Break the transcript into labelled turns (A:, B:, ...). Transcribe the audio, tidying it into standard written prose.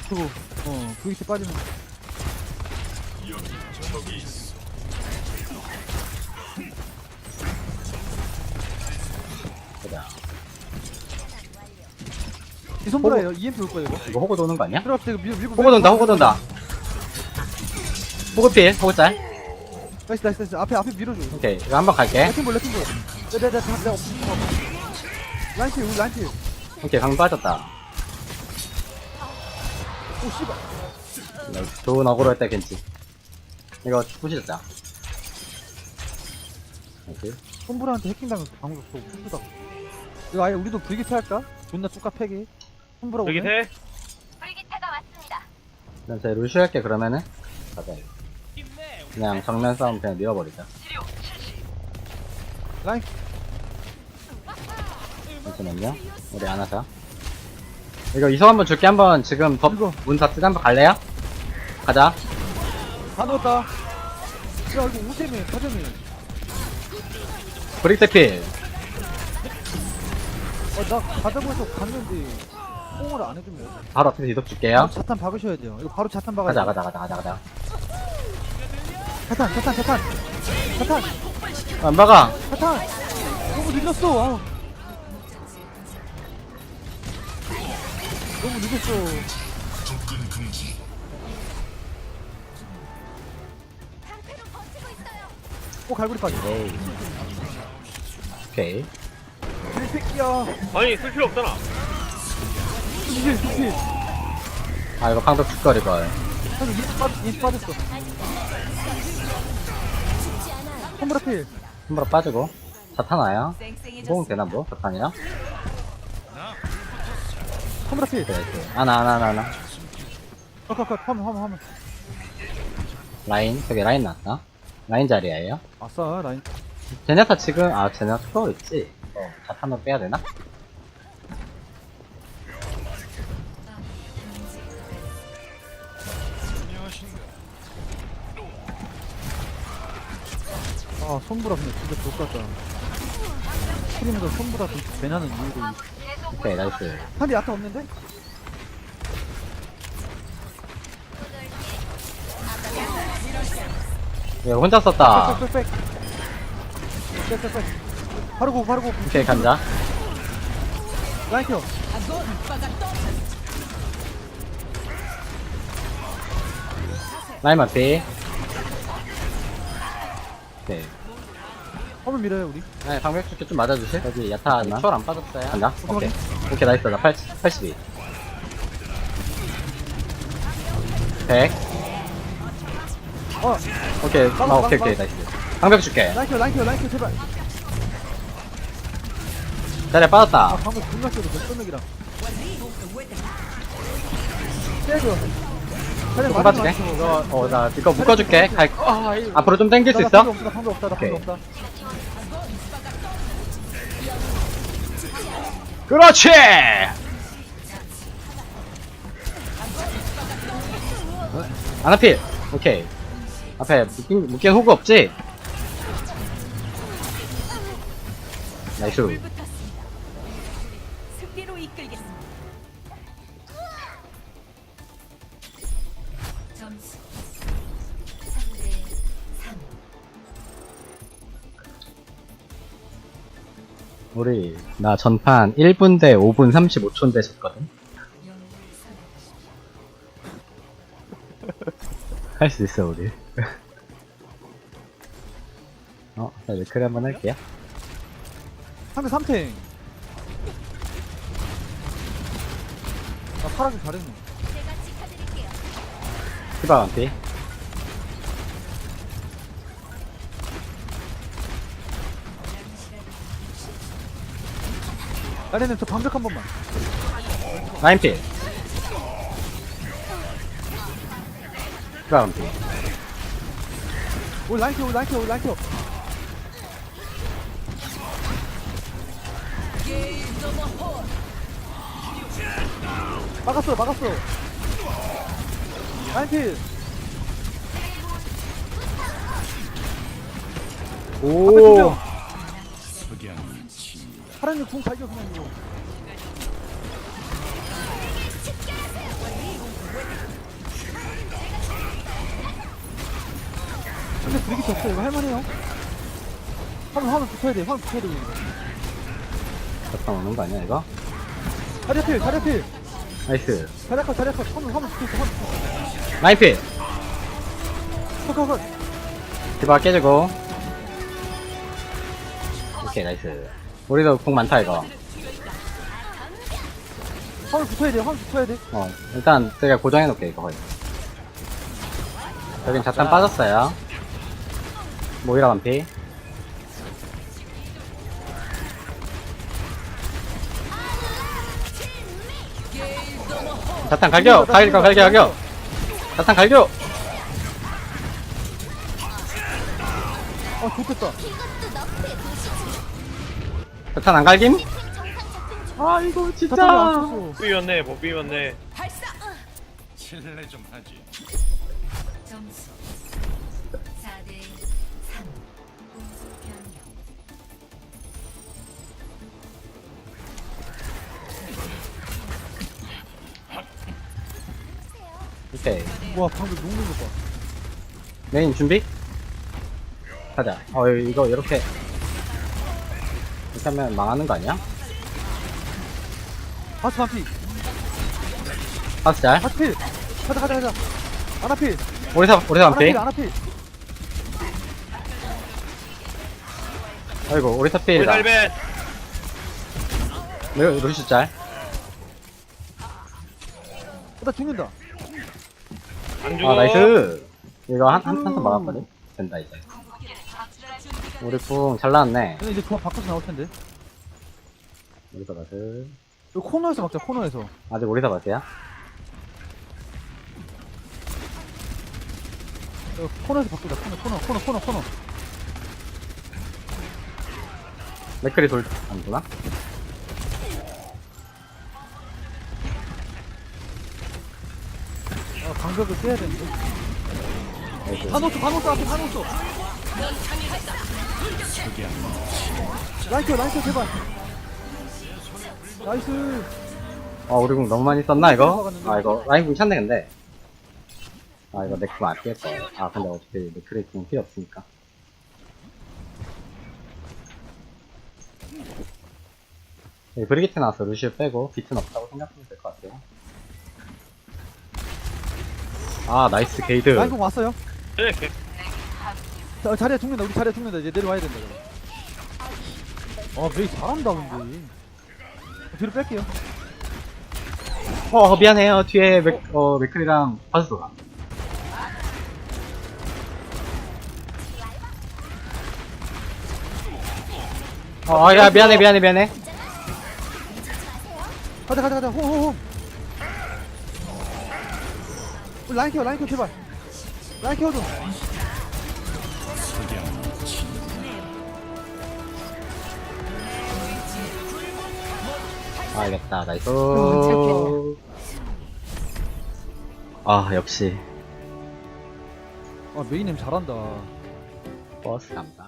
A: 그거 VT 빠지면
B: 보자.
A: 이 손보라예요. EMP 올 거예요 이거.
B: 이거 호구 도는 거 아니야?
A: 들어갑시다. 이거 밀고
B: 호구 돈다, 호구 돈다. 호구 필, 호구 짤.
A: 나이스. 앞에 밀어줘.
B: 오케이, 이거 한번 갈게.
A: 레킹볼. 내가 라인필 우리 라인필.
B: 오케이, 강 빠졌다.
A: 오 씨발.
B: 좋은 어그로 했다, 겐지. 이거 부시자. 오케이.
A: 손보라한테 해킹당해서 방금 또 푸시다. 이거 아예 우리도 VT 할까? 존나 뚜까 패기. 손보라 오네.
C: 여기 세.
D: 불기타가 왔습니다.
B: 그냥 제 루시 할게, 그러면은. 가자, 이거. 그냥 정면 싸움 그냥 밀어버리자.
A: 라인.
B: 잠시만요. 우리 안 하자. 이거 이성 한번 줄게. 한번 지금
A: 이거.
B: 문 닫고 한번 갈래요? 가자.
A: 다 넣었다. 야 이거 우세미 가점이.
B: 브릭대필.
A: 나 가자고 해서 갔는데 뽕을 안 해주면.
B: 바로 앞에서 이속 줄게요.
A: 자탄 박으셔야 돼요. 이거 바로 자탄 박아야 돼.
B: 가자.
A: 자탄.
B: 안 박아.
A: 자탄. 너무 늦었어. 아우. 너무 늦었어.
D: 방패로 버티고 있어요.
A: 갈고리까지.
B: 에이. 오케이.
A: 이 새끼야.
C: 아니 쓸 필요 없잖아.
A: 이게.
B: 아, 이거 방벽 줄거리 걸.
A: 형, 이 빠졌어. 컴브라 필.
B: 한번 빠지고. 자탄 와요. 호응 되나 뭐? 자탄이랑?
A: 컴브라 필.
B: 그래, 하나.
A: 컷. 화면.
B: 라인, 저기 라인 나왔다. 라인 자리에요.
A: 아싸, 라인.
B: 제네타 지금, 제네타 투어 있지? 자탄으로 빼야 되나?
A: 손보라 근데 진짜 좋겠다. 스크림에서 손보라 좀 배나는 이유도.
B: 오케이, 나이스.
A: 한대 야타 없는데?
B: 이거 혼자 썼다.
A: 빽. 바로 고.
B: 오케이, 간다.
A: 라인 켜.
B: 라인 맞비. 오케이.
A: 화면 밀어요, 우리.
B: 네, 방벽 줄게 좀 맞아주실? 여기 야타 추월 안 빠졌어요. 간다?
A: 오케이.
B: 오케이, 나이스. 나 82. 100. 오케이, 오케이, 나이스. 방벽 줄게.
A: 라인 켜, 제발.
B: 자리에 빠졌다.
A: 방금 존나 켜도 몇 점액이랑. 때려.
B: 조금 빠질게. 나 이거 묶어줄게. 앞으로 좀 당길 수 있어?
A: 방금 없다.
B: 오케이. 그렇지! 아나필! 오케이. 앞에 묶인 호구 없지? 나이스.
D: 승리로 이끌겠습니다. 점수 3대 3.
B: 우리, 나 전판 1분 대 5분 35초인데 졌거든? 할 수 있어, 우리. 자, 레크리 한번 할게요.
A: 상대 3탱. 나 파랗게 잘했네.
D: 제가 지켜드릴게요.
B: 히바 완피.
A: 나래는 저 방벽 한 번만.
B: 라인필. 히바 완피.
A: 올 라인 켜. 막았어. 라인 필.
B: 오.
A: 파란이 궁 발견 그냥 이거. 근데 브리기트 없어. 이거 할만해요. 화면 붙여야 돼. 화면 붙여야 돼. 이거.
B: 갔다 오는 거 아니야 이거?
A: 자리필.
B: 나이스.
A: 자리컷. 화면 붙여있어. 화면 붙여있어.
B: 라인필.
A: 컷.
B: 디바 깨지고. 오케이 나이스. 우리도 궁 많다 이거.
A: 화면 붙여야 돼.
B: 일단 제가 고정해놓을게 이거 거의. 여긴 자탄 빠졌어요. 모이라 반피. 자탄 갈겨. 자탄 갈겨.
A: 좋겠다.
D: 이것도 너프의 도시지.
B: 자탄 안 갈김?
D: 정상 작동 중.
B: 아 이거
A: 자탄이 안 쳤어.
C: 못 비웠네.
E: 실례 좀 하지.
D: 점수 4대 3. 공수 변경.
B: 오케이.
A: 와, 방금 녹는 거 봐.
B: 메인 준비? 가자. 이거 이렇게 하면 망하는 거 아니야?
A: 바스 반피.
B: 파스 잘.
A: 바스필. 가자. 아나필.
B: 오리사 반피.
A: 아나필.
B: 아이고 오리사 필이다.
C: 달벤.
B: 루시 잘.
A: 나 죽는다.
C: 안 죽어.
B: 아 나이스. 이거 한턴 막았거든. 된다 이제. 우리 궁 잘 나왔네.
A: 근데 이제 조합 바꿔서 나올 텐데.
B: 오리사 바스.
A: 이거 코너에서 막자, 코너에서.
B: 아직 오리사 바스야?
A: 이거 코너에서 바꾸자, 코너.
B: 맥클이 안 도나?
A: 방벽을 깨야 되는데.
B: 나이스.
A: 한옥수 앞에 한옥수. 라이트 제발. 나이스.
B: 우리 궁 너무 많이 썼나 이거? 이거 라인 궁 찼네 근데. 이거 내 궁 아끼겠다. 근데 어차피 맥클이 궁 필요 없으니까. 브리기트 나왔어. 루시우 빼고 비트는 없다고 생각하면 될 것 같아요. 나이스 게이드.
A: 라인공 왔어요.
C: 네.
A: 자리에 죽는다. 우리 자리에 죽는다. 이제 내려와야 된다. 메이 잘한다 근데. 뒤로 뺄게요.
B: 미안해요. 뒤에 맥클이랑 바스 돌아. 야 미안해.
A: 가자. 호호호. 우리 라인 케어 제발. 라인 케어 좀.
B: 알겠다. 나이스. 역시
A: 메이님 잘한다.
B: 버스 간다.